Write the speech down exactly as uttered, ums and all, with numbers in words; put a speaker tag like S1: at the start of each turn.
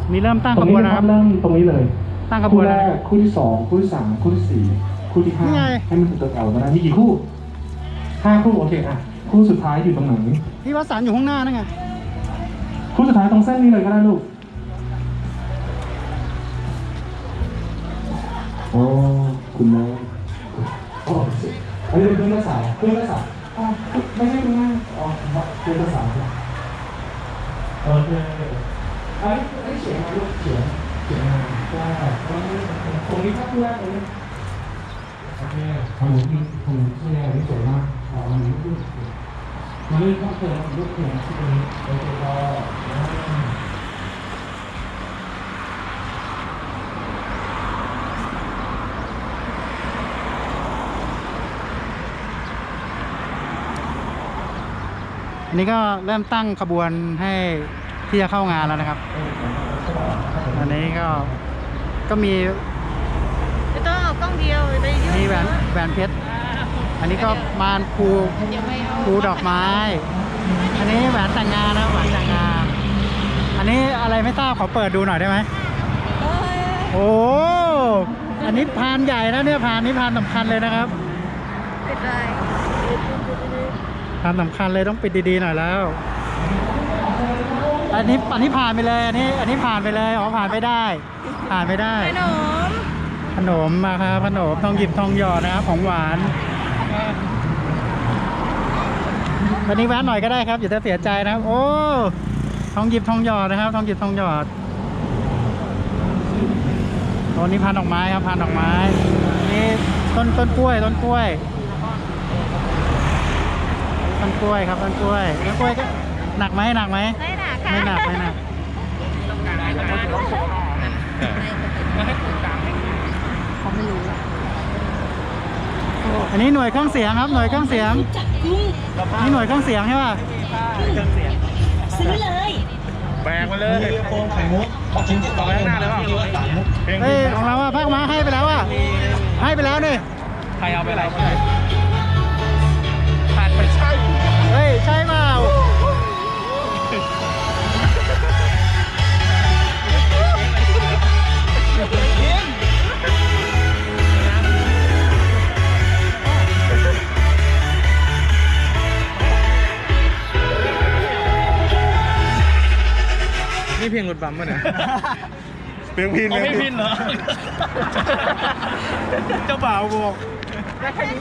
S1: มีเริ่มตั้งขบวนนะครับ
S2: เริ่มตรงนี้เลย
S1: ตั้งขบวน
S2: คู่แรกคู่ที่สองคู่ที่สามคู่ที่สี่คู่ที่ห้าให้มันถึงตัวแถวมาได้มีกี่คู่ห้าคู่โอเคอ่ะคู่สุดท้ายอยู่ตรงไหน
S1: พี่วสันต์อยู่ข้างหน้านั่นไง
S2: คู่สุดท้ายตรงเส้นนี้เลยก็ได้ลูกโอ้คุณแม่โอ้อันนี้เป็นเครื่องภาษาเครื่องภาษาอ๋อไม่ใช่คุณแม่อ๋อเครื่องภาษาโอเคอันนี้อันนี้เขียนมาลูกเขียนเขียนมาได้ตรงนี้ภาพแรกตรงนี้โอเคทำหมูที่ทำหมูที่แรกนี่สวยมากอ๋อมันนี่ลูกมันนี่ต้องเขียนลูกเขียนที่ตรงนี้โอเคพอ
S1: อันนี้ก็เริ่มตั้งขบวนให้ที่จะเข้างานแล้วนะครับ อันนี้ก็ก็มี
S3: ไม่ต้องเอากล้องเดียวไปยืด
S1: มีแหวนแหวนเพชร อันนี้ก็มานภู
S3: เดี๋ยวไม่เอา
S1: ภูดอกไม้ อันนี้แหวนแต่งงานนะแหวนแต่งงาน อันนี้อะไรไม่ทราบขอเปิดดูหน่อยได้ไหม
S3: เอ้ย
S1: โอ้อันนี้พานใหญ่นะเนี่ยพานนี้พานสำคัญเลยนะครับ
S3: เป็นไร
S1: พานสำคัญเลยต้องปิดดีๆหน่อยแล้ว อันนี้อันนี้ผ่านไปเลยอันนี้อันนี้ผ่านไปเลยอ๋อผ่านไม่ได้ ผ่านไม่ได้
S3: ขนม
S1: ขนมมาครับขนมทองหยิบทองหยอดนะครับของหวานวันนี้แวะหน่อยก็ได้ครับอย่าจะเสียใจนะครับโอ้ทองหยิบทองหยอดนะครับทองหยิบทองหยอดตอนนี้พันดอกไม้ครับพันดอกไม้นี่ต้นต้นกล้วยต้นกล้วยต้นกล้วยครับต้นกล้วยต้นกล้วยก็หนักไหมหนักไหม
S3: ไม่หนักค่ะ
S1: ไม่หนักไม่หนักอันนี้หน่วยเครื่องเสียงครับหน่วยเครื่องเสียงนี่หน่วยเครื่องเสียงใช่ป่ะ
S3: ซื้อเลย
S4: แบกมาเลยโป่งไข่มุกชิ้นที่ต่อไปข้างหน้าเลยว่า
S1: เฮ้ยของเราอะภาคม้าให้ไปแล้วอะให้ไปแล้วนี่
S4: ใครเอาไปอะไรขาดไปใช่
S1: เฮ้ยใช่เปล่า
S4: นี่เพลงรถบัมป่ะเนี่ย
S2: เพียงพิน
S4: ไม่พินเหรอ เจ้าบ่าวบอก